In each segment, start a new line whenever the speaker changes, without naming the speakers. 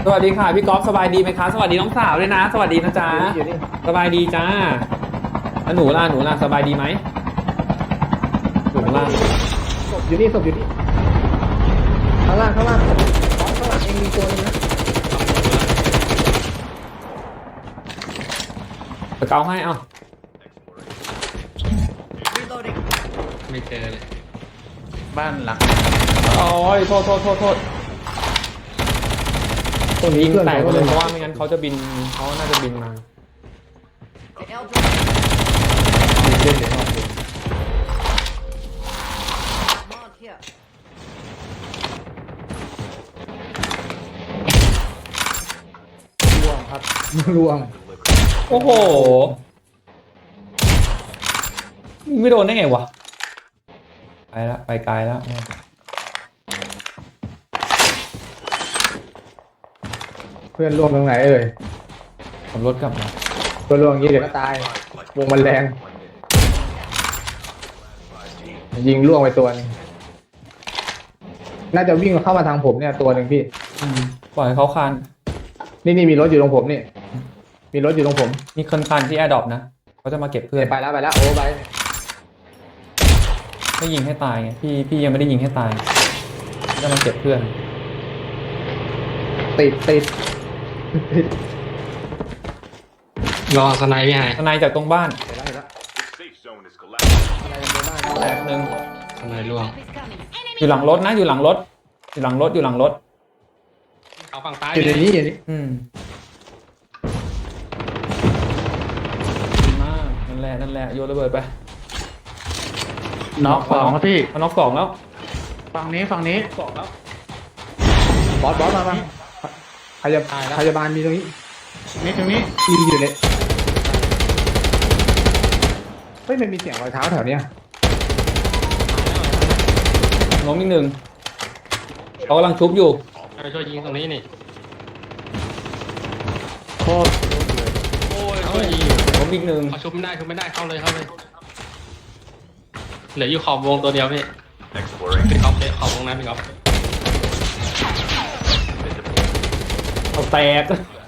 สวัสดีค่ะพี่ก๊อฟสบายดีไหมคะสวัสดีน้องสาวด้วยนะสวัสดีนะจ๊ะ
อยู่นี่
สบายดีจ้าแล้วหนูล่ะสบายดีไหมหนูล่ะ
ศพอยู่นี่ข้างล่างข้างหลังเองมีตัวนึงนะ
สเกาให้เอ้า
ไม่เจอเลยบ้านหลัง
โอ้ยโทษตรงนี้ยิงแตกไปเลยเพราะว่าไม่งั้นเขาจะบินเขาน่าจะบินมา
เล่นเดี๋ยวนอกเลยล่วงครับล่วง
โอ้โหไม่โดนได้ไงวะไปแล้วไปไกลแล้ว
เพื่อนล่วงตรงไหนเอ่ย
ขับรถกลับมา
เพื่อนล่วงอย่างนี้เดี๋ยวก็ตายวงมันแรงยิงล่วงไปตัวนึงน่าจะวิ่งเข้ามาทางผมเนี่ยตัวหนึ่งพี่
ปล่อยให้เขาคาน
นี่มีรถอยู่ตรงผมนี่มีรถอยู่ตรงผม
มีคนคานที่แอร์ดรอปนะเขาจะมาเก็บเพื่อน
ไปแล้วโอ้ไป
ไม่ยิงให้ตายไงพี่ยังไม่ได้ยิงให้ตายจะมาเก็บเพื่อน
ติด
รอสไนป์พี่ไฮ
ทนายจากตรงบ้าน
เห็นแล้ว อะไรกันบ้าง
แตกหนึ่ง
สไนป์ล่วง
อยู่หลังรถนะอยู่หลังรถ
เขาฝั่งซ้าย
อยู่ในนี้อยู่นี่
ดีมากนั่นแหละโยนระเบิดไป
น็อกสองครับพี่
เอาน็อกสองแล้ว
ฝั่งนี้
สองแล้ว
บอสมาพยาบาลมีตรงนี้
ตรงนี้
อยู่เนี่ยเฮ้ยมันมีเสียงรอยเท้าแถวเนี้ย
ล้มอีกหนึ่งเขากำลังชุบอยู่
ไปช่วยยิงตรงนี้นี่
โคตร
โอ้ยช่วยยิง
ล้มอีกหนึ่ง
เขาชุบไม่ได้เข้าเลยเหลืออยู่ขอบวงตัวเดียวพี่พี่ก๊อฟเลยขอบวงนะพี่ก๊อฟ
เอาแตก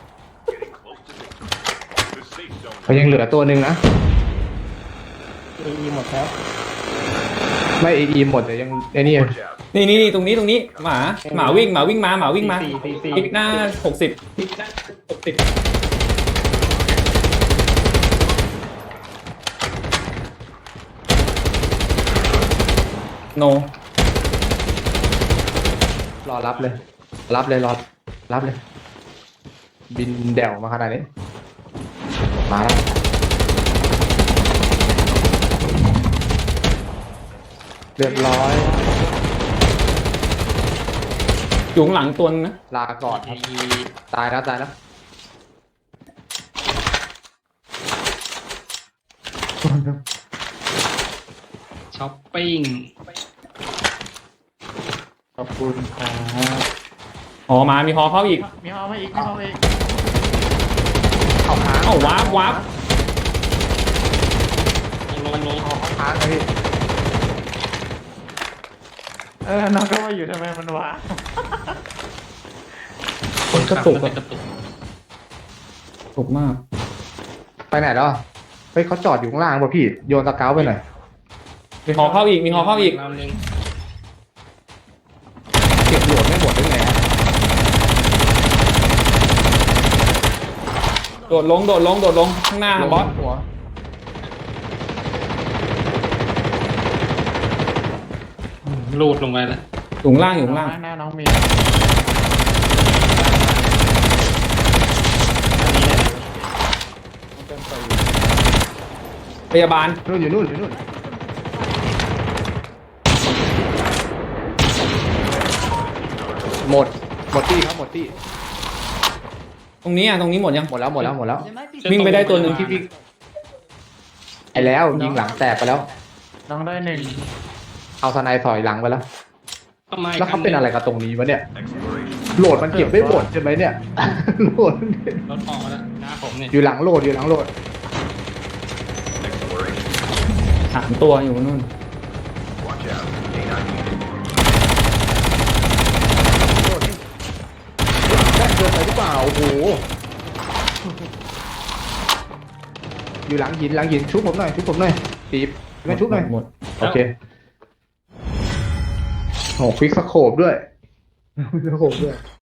มันยังเหลือตัวหนึ่งนะ
อีหมดแล้ว
ไม่เอหมดแต่ยังไอ้นี่
นี่ตรงนี้หมาวิ่งมาอีกหน้า60โน
รอรับเลยรอรับเลย บินแด่วมาขนาดนี้มาแล้วเรียบร้อย
อยู่ข้างหลังตัวนึงนะ
ลาก่อนครับตายแล้ว
ช้อปปิ้ง
ขอบคุณครับ
อ๋อมามีฮอเข้าอีก
มีห้องมาอีก
เอาค้าง
เอ้าวาร์ป
ลง
ค้างเลยพี่
น้องก็มาอยู่ทำไมมันวะ
คนกระตุกกระตุก
ถูกมาก
ไปไหนแล้วเฮ้ยเขาจอดอยู่ข้างล่างป่ะพี่โยนสเกาไปหน่อย
มีฮอเข้าอีก
ลำนึง
เก็บโหลดไม่หมดได้ไง
โดดลงข้างหน้าบอส
หัว
ลูดลงไปแล้ว
อยู่ข้างล่างอยู่ข้างล่าง
หน้าน้องมี
พยาบาล
นู่นอยู่นู่นหมดที่ครับหมดที่
ตรงนี้หมดยัง
หมดแล้ว
วิ่งไปได้ตัวหนึ่ง
ที่วิ่งไอ้แล้วยิงหลังแตกไปแล้ว
น้องได้หนึ่ง
เอาสไนด์ถอยหลังไปแล้ว
ทำไม
แล้วเขาเป็นอะไรกับตรงนี้วะเนี่ยโหลดมันเก็บไม่หมดใช่ไหมเนี่ยโหลด
รถออกแล้วหน้าผมเนี่ย
อยู่หลังโหลด
3 ตัวอยู่นู่น
เกินไปโอ้โหอยู่หลังหินชุบผมหน่อยตีบมาชุบหน่อย
หมด
โอเคโอ้ควิกสโคปด้วยควิกสโคปด้วย